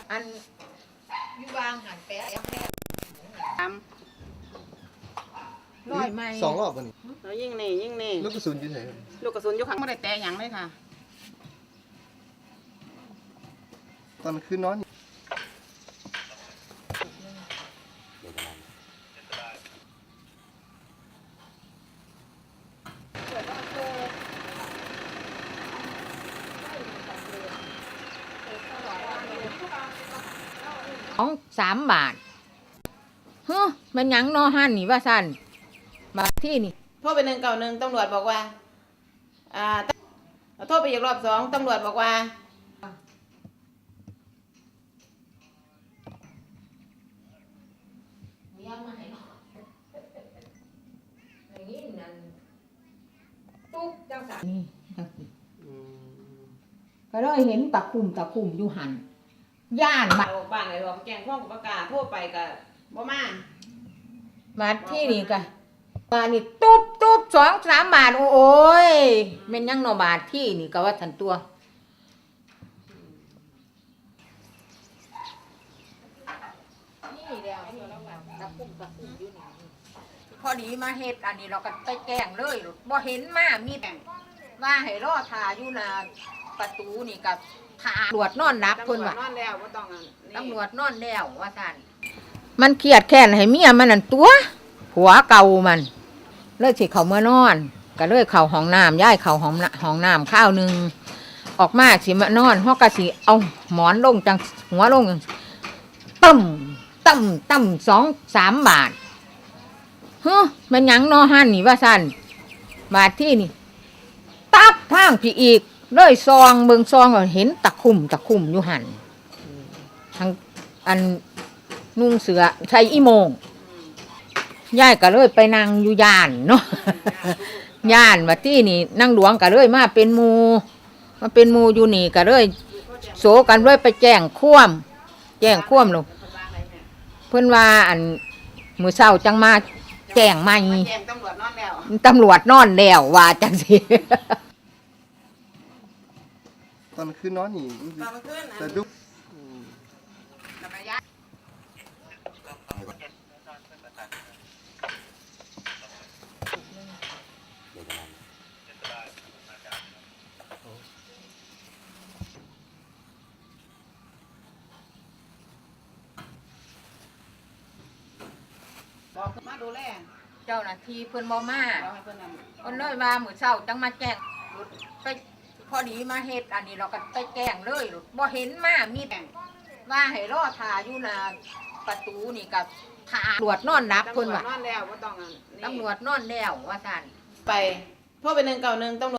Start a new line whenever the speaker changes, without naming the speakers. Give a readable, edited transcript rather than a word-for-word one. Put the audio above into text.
อันอยู่วางหันแปะยังแม่
ท
ร้อยไหม
2 รอบวันนี้
แล้วยิ่งนี่
ลูกกระสุนอยู่ไหน
ลูกกระสุนอยู่ข้างไม่ได้แตะหยังเลยค่ะ
ตอนคืนนอน
ของ3 บาทเฮ้อมันยังนอหันนี่ว่าสั่นบาทที่นี่
โทรไป191ตำรวจบอกว่าโทรไปอีกรอบ2ตำรวจบอกว่า
ตุ๊กจังสันนี่ก็เลยเห็นตะคุ่มอยู่หันย่าน
บ้านไหนบอกแกงข้องกับประกาศโทรไปกับบ่มา
บาทที่นี่ก็มานี่ตุ๊บ2-3 บาทโอ้ยแม่นยังนอบาทที่นี่ก็ว่าทันตัวนี่แล้วตะคุ่มอยู่นี่พอดีมาเฮ็ดอันนี้เราก็ไปแกล้งเลยบ่เห็นมามีแต่ว่าให้รอทาอยู่หน้าประตูนี่ก็ทาตำรวจนอนรับเพิ่นว่า
นอนแล้วบ่ต้อง
ตำรวจนอนแล้วว่าซั่นมันเครียดแค้นให้เมียมันนั่นตัวผัวเก่ามันเลยสิเข้ามานอนก็เลยเข้าห้องน้ำย้ายเข้าห้องน้ำข้าวนึงออกมาสิมานอนฮอกก็สิเอาหมอนลงจังหัวลงตั้ม2-3 บาทเฮ้อมันหยังนอหันนี่ว่าซั่นบาทที่นี่ตับทางพี่อีกเลยซองเบิ่งซองก็เห็นตะคุ่มอยู่หั่นทางอันนุ่งเสือใส่อีโมงยายก็เลยไปนั่งอยู่ย่านเนาะย่านว่าที่นี่นั่งหลวงก็เลยมาเป็นหมู่อยู่นี่ก็เลยโสกันเลยไปแจ้งความลงเพิ่นว่าอันมื้อเช้าจังมาแจ้งใหม่
แจ้งตำรวจนอนแล้ว
ว่าจังซี่
ตอนคืนนอนนี่แต่ดู
บอกมาดูแล
เจ้าหน้าที่เพิ่นบ่มา
บอกให้เพิ่นน
เพิ่นเลยว่ามื้อเช้าจังมาแจ้งไปพอดีมาเฮ็ดอันนี้เราก็ไปแจ้งเลยบ่เห็นมามีแต่ว่าให้รอทาอยู่หน้าประตูนี่ก็ทาตำรวจนอนรับเพิ่นว่า
นอนแล้วบ่ต้อง
ตำรวจนอนแล้วว่าซั่น
ไปโทรไป191ตำรวจ